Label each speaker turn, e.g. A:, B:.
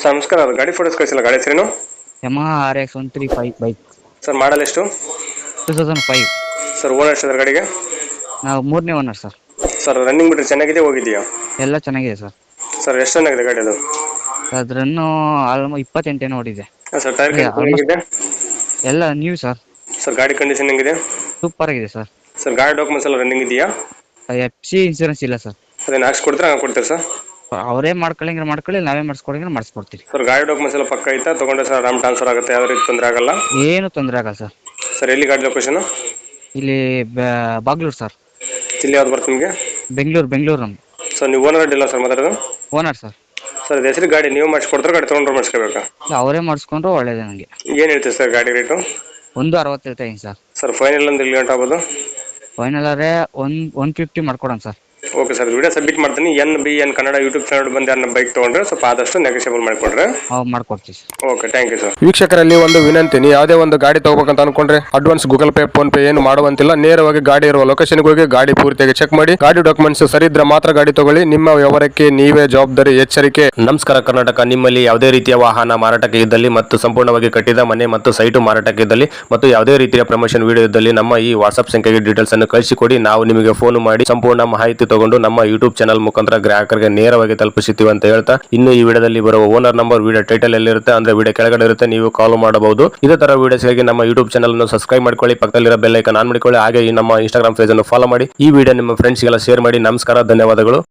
A: Sir ನಮಸ್ಕಾರ, ಅದು ಗಾಡಿ ಫೋಟೋಸ್ ಕಳಿಸಿಲ್ಲ, ಗಾಡಿ ಹೆಸರೇನು?
B: Yamaha RX-135 bike.
A: Sir model ಎಷ್ಟು?
B: 2005.
A: ಸರ್ ಓನರ್ ಎಷ್ಟು ಗಾಡಿಗೆ?
B: ನಾವು 3ನೇ ಓನರ್ ಸರ್.
A: ಸರ್ ರನ್ನಿಂಗ್ ಬಿಟ್ಟರೆ ಚೆನ್ನಾಗಿದೆ, ಹೋಗಿದೆಯಾ?
B: ಎಲ್ಲ ಚೆನ್ನಾಗಿದೆ ಸರ್.
A: ಸರ್ ಎಷ್ಟು ಚೆನ್ನಾಗಿದೆ ಗಾಡಿ ಅದು?
B: ಅದ್ರನ್ನು 28 ಏನೋ ಓಡಿದೆ.
A: ಸರ್ ಟೈರ್ ಕಂಡೀಷನ್
B: ಆಲ್ಮೋಸ್ಟ್
A: ಹೆಂಗಿದೆ?
B: ಎಲ್ಲ ನ್ಯೂ ಸರ್.
A: ಸರ್ ಗಾಡಿ ಕಂಡೀಷನ್ ಹೆಂಗಿದೆ?
B: ಸೂಪರ್ ಆಗಿದೆ ಸರ್.
A: ಸರ್ ಗಾಡಿ ಡಾಕ್ಯುಮೆಂಟ್ಸ್ ಎಲ್ಲ ರನ್ನಿಂಗ್ ಇದೆಯಾ?
B: FC ಇನ್ಸೂರೆನ್ಸ್ ಇಲ್ಲ ಸರ್.
A: ಅದೇನು ಹಾಕ್ಸ್ಕೊಡ್ತೀರಾ, ಹಂಗೆ ಕೊಡ್ತೀರಾ ಸರ್?
B: ಅವರೇ ಮಾಡ್ಕೊಳ್ಳಿ, ನಾವೇ ಮಾಡಿಸ್ಕೊಡ್ತೀವಿ.
A: ಸರ್ ಗಾಡಿ ಡಾಕ್ಯುಮೆಂಟ್ಸ್ ಎಲ್ಲ ಪಕ್ಕ ಐತಾ? ತೊಗೊಂಡ್ರೆ ಸರ್ ಆರಾಮ್ ಟ್ರಾನ್ಸ್ಫರ್ ಆಗುತ್ತೆ, ಯಾವುದೇ ರೀತಿ ತೊಂದರೆ ಆಗಲ್ಲ?
B: ಏನು ತೊಂದರೆ ಆಗಲ್ಲ ಸರ್.
A: ಸರ್ ಎಲ್ಲಿ ಗಾಡಿ ಲೊಕೇಶನ್?
B: ಇಲ್ಲಿ ಬಾಗ್ಲೂರು ಸರ್.
A: ಜಿಲ್ಲೆ ಯಾವ್ದು ಬರುತ್ತೆ ನಿಮಗೆ?
B: ಬೆಂಗಳೂರು ನಮ್ದು.
A: ಸರ್ ನೀವು ಓನರ್ ಇಲ್ಲ ಸರ್ ಮಾತಾಡೋದು?
B: Owner sir.
A: ಸರ್ ಅದು ಹೆಸರು ಗಾಡಿ ನೀವು ಮಾಡಿಸ್ಕೊಡ್ತಾರೆ, ಗಾಡಿ ತೊಗೊಂಡ್ರೆ ಮಾಡಿಸ್ಕೋಬೇಕಾ?
B: ಅವರೇ ಮಾಡಿಸ್ಕೊಂಡ್ರು ಒಳ್ಳೇದೇ ನನಗೆ.
A: ಏನು ಹೇಳ್ತೀವಿ ಸರ್ ಗಾಡಿ ರೇಟು?
B: 160 ಹೇಳ್ತೀನಿ ಸರ್.
A: ಸರ್ ಫೈನಲ್ ಅಂದ್ರೆ ಇಲ್ಲಿ ಗಂಟೆ ಆಗ್ಬೋದು?
B: ಫೈನಲ್ ಆದರೆ 150 ಮಾಡ್ಕೊಡೋಣ sir.
A: Okay sir, video submit ಮಾಡ್ತೀನಿ. NBN ಕನ್ನಡ ಯೂಟ್ಯೂಬ್ ಚಾನಲ್ ಬಂದು ಯಾರನ್ನ ಬೈಕ್ ತೊಗೊಂಡ್ರೆ ಸ್ವಲ್ಪ ಆದಷ್ಟು ನೆಗೋಷಿಯಬಲ್ ಮಾಡಿಕೊಡ್ರೆ.
B: ಮಾಡ್ಕೊಡ್ತೀವಿ sir.
A: Okay, thank you sir. ವೀಕ್ಷಕರಲ್ಲಿ ಒಂದು ವಿನಂತಿ, ನೀವು ಯಾವುದೇ ಒಂದು ಗಾಡಿ ತಗೋಬೇಕಂತ ಅನ್ಕೊಂಡ್ರೆ advance Google Pay, PhonePe ಏನು ಮಾಡುವಂತಿಲ್ಲ. ನೇರವಾಗಿ ಗಾಡಿ ಇರುವ ಲೊಕೇಶನ್ಗೆ ಹೋಗಿ ಗಾಡಿ ಪೂರ್ತಿಯಾಗಿ ಚೆಕ್ ಮಾಡಿ, ಗಾಡಿ ಡಾಕ್ಯುಮೆಂಟ್ಸ್ ಸರಿ ಇದ್ರೆ ಮಾತ್ರ ಗಾಡಿ ತಗೊಳ್ಳಿ. ನಿಮ್ಮ ವ್ಯವಹಾರಕ್ಕೆ ನೀವೇ ಜವಾಬ್ದಾರಿ, ಎಚ್ಚರಿಕೆ.
C: ನಮಸ್ಕಾರ ಕರ್ನಾಟಕ. ನಿಮ್ಮಲ್ಲಿ ಯಾವುದೇ ರೀತಿಯ ವಾಹನ ಮಾರಾಟಕ್ಕೆ ಇದ್ದಲ್ಲಿ ಮತ್ತು ಸಂಪೂರ್ಣವಾಗಿ ಕಟ್ಟಿದ ಮನೆ ಮತ್ತು ಸೈಟು ಮಾರಾಟಕ್ಕೆ ಇದ್ದಲ್ಲಿ ಮತ್ತು ಯಾವುದೇ ರೀತಿಯ ಪ್ರಮೋಷನ್ ವಿಡಿಯೋ ಇದ್ದಲ್ಲಿ ನಮ್ಮ ಈ ವಾಟ್ಸ್ಆಪ್ ಸಂಖ್ಯೆಗೆ ಡೀಟೇಲ್ಸ್ ಅನ್ನು ಕಳಿಸಿಕೊಡಿ. ನಾವು ನಿಮಗೆ ಫೋನ್ ಮಾಡಿ ಸಂಪೂರ್ಣ ಮಾಹಿತಿ ತಗೊಂಡು ನಮ್ಮ ಯೂಟ್ಯೂಬ್ ಚಾನಲ್ ಮುಖಾಂತರ ಗ್ರಾಹಕರಿಗೆ ನೇರವಾಗಿ ತಲುಪಿಸುತ್ತೀವಿ ಅಂತ ಹೇಳ್ತಾ, ಇನ್ನು ಈ ವಿಡಿಯೋದಲ್ಲಿ ಬರುವ ಓನರ್ ನಂಬರ್ ವಿಡಿಯೋ ಟೈಟಲ್ ಎಲ್ಲಿರುತ್ತೆ ಅಂದ್ರೆ ವಿಡಿಯೋ ಕೆಳಗಡೆ ಇರುತ್ತೆ, ನೀವು ಕಾಲ್ ಮಾಡಬಹುದು. ಇದೇ ತರ ವಿಡಿಯೋಸ್ಗಾಗಿ ನಮ್ಮ ಯೂಟ್ಯೂಬ್ ಚಾನಲ್ ಅನ್ನು ಸಬ್ಸ್ಕ್ರೈಬ್ ಮಾಡ್ಕೊಳ್ಳಿ, ಪಕ್ಕದಲ್ಲಿರೋ ಬೆಲ್ ಐಕಾನ್ ಆನ್ ಮಾಡಿಕೊಳ್ಳಿ. ಹಾಗೆ ಈ ನಮ್ಮ ಇನ್ಸ್ಟಾಗ್ರಾಮ್ ಪೇಜ್ ಅನ್ನು ಫಾಲೋ ಮಾಡಿ. ಈ ವಿಡಿಯೋ ನಿಮ್ಮ ಫ್ರೆಂಡ್ಸ್ಗೆಲ್ಲ ಶೇರ್ ಮಾಡಿ. ನಮಸ್ಕಾರ, ಧನ್ಯವಾದಗಳು.